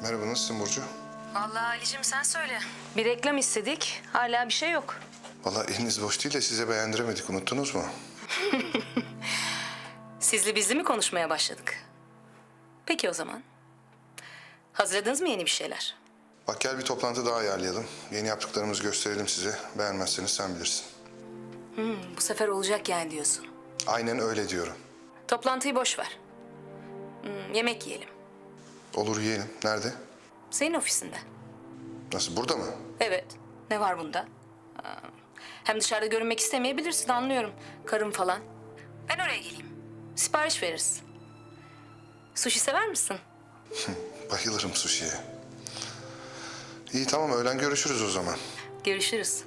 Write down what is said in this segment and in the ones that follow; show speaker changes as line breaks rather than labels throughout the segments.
Merhaba, nasılsın Burcu?
Vallahi Ali'cim sen söyle. Bir reklam istedik. Hala bir şey yok.
Vallahi eliniz boş değil de size beğendiremedik. Unuttunuz mu?
Sizli bizli mi konuşmaya başladık? Peki o zaman. Hazırladınız mı yeni bir şeyler?
Bak gel bir toplantı daha ayarlayalım. Yeni yaptıklarımızı gösterelim size. Beğenmezseniz sen bilirsin.
Bu sefer olacak yani diyorsun.
Aynen öyle diyorum.
Toplantıyı boş ver. Yemek yiyelim.
Olur yiyelim. Nerede?
Senin ofisinde.
Nasıl, burada mı?
Evet. Ne var bunda? Hem dışarıda görünmek istemeyebilirsin, anlıyorum. Karım falan. Ben oraya geleyim. Sipariş veririz. Sushi sever misin?
Bayılırım sushi'ye. İyi tamam, öğlen görüşürüz o zaman.
Görüşürüz.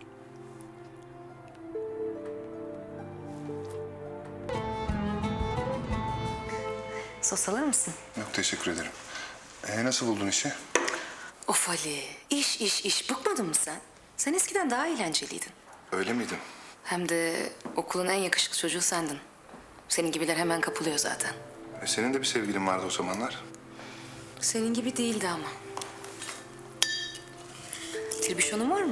Sos alır mısın?
Yok teşekkür ederim. Nasıl buldun işi?
Of Ali, iş. Bıkmadın mı sen? Sen eskiden daha eğlenceliydin.
Öyle miydim?
Hem de okulun en yakışıklı çocuğu sendin. Senin gibiler hemen kapılıyor zaten.
Senin de bir sevgilin vardı o zamanlar.
Senin gibi değildi ama. Tribüşonun var mı?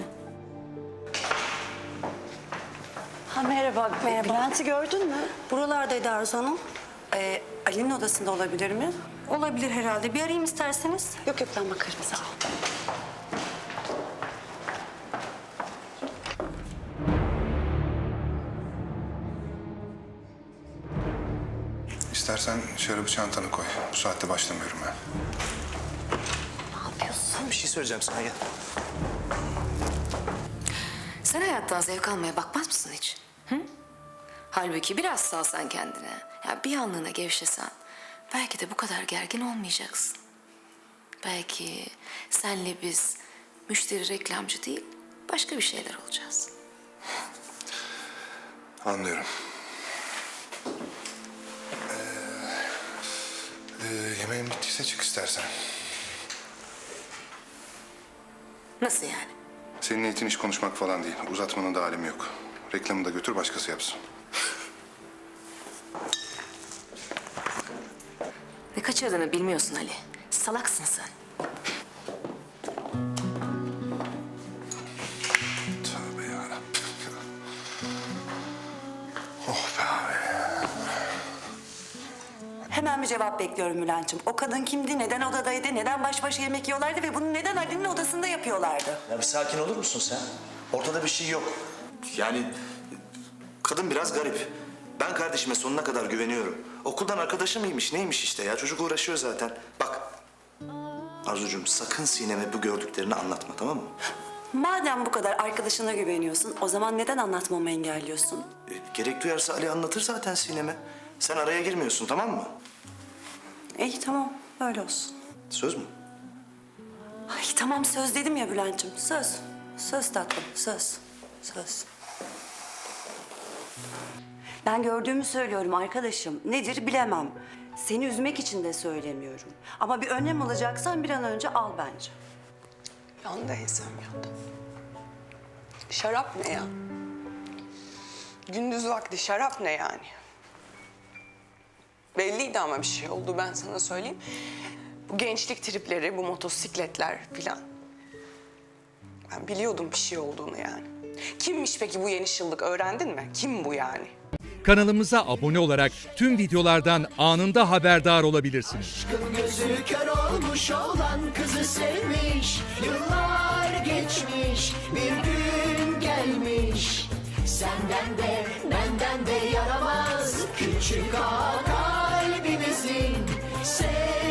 Ha merhaba. Bülent'i gördün mü? Buralardaydı Arzu Hanım. Ali'nin odasında olabilir mi?
Olabilir herhalde. Bir arayayım isterseniz.
Yok ben bakarım, sağ ol.
İstersen şarabı çantana koy. Bu saatte başlamıyorum ben.
Ne yapıyorsun?
Bir şey söyleyeceğim sana, gel.
Sen hayattan zevk almaya bakmaz mısın hiç? Hı? Halbuki biraz salsan kendine. Ya bir anlığına gevşesen. Belki de bu kadar gergin olmayacaksın. Belki senle biz müşteri reklamcı değil, başka bir şeyler olacağız.
Anlıyorum. Yemeğin bittiyse çık istersen.
Nasıl yani?
Senin niyetin iş konuşmak falan değil. Uzatmanın da alemi yok. Reklamı da götür başkası yapsın.
Ne kaçırdığını bilmiyorsun Ali. Salaksın sen.
Tövbe yarabbim. Oh be abi.
Hemen bir cevap bekliyorum Bülent'ciğim. O kadın kimdi, neden odadaydı, neden baş başa yemek yiyorlardı ve bunu neden Ali'nin odasında yapıyorlardı?
Ya bir sakin olur musun sen? Ortada bir şey yok. Yani kadın biraz garip. Ben kardeşime sonuna kadar güveniyorum. Okuldan arkadaşı mıymış, neymiş işte ya. Çocuk uğraşıyor zaten. Bak Arzucuğum, sakın Sinem'e bu gördüklerini anlatma, tamam mı?
Madem bu kadar arkadaşına güveniyorsun, o zaman neden anlatmamı engelliyorsun?
Gerek duyarsa Ali anlatır zaten Sinem'e. Sen araya girmiyorsun, tamam mı?
İyi tamam, öyle olsun.
Söz mü?
Ay tamam, söz dedim ya Bülent'ciğim, söz. Söz tatlım, söz. Söz. Ben gördüğümü söylüyorum arkadaşım. Nedir bilemem. Seni üzmek için de söylemiyorum. Ama bir önlem alacaksan bir an önce al bence.
Yandı Eysem, yandı. Şarap ne ya? Gündüz vakti şarap ne yani? Belliydi ama bir şey oldu, ben sana söyleyeyim. Bu gençlik tripleri, bu motosikletler filan. Ben biliyordum bir şey olduğunu yani. Kimmiş peki bu yeni şıllık, öğrendin mi? Kim bu yani?
Kanalımıza abone olarak tüm videolardan anında haberdar olabilirsiniz.
Aşkın gözü kör olmuş olan kızı sevmiş. Yıllar geçmiş, bir gün gelmiş. Senden de benden de yaramaz küçük ağa kalbimizin.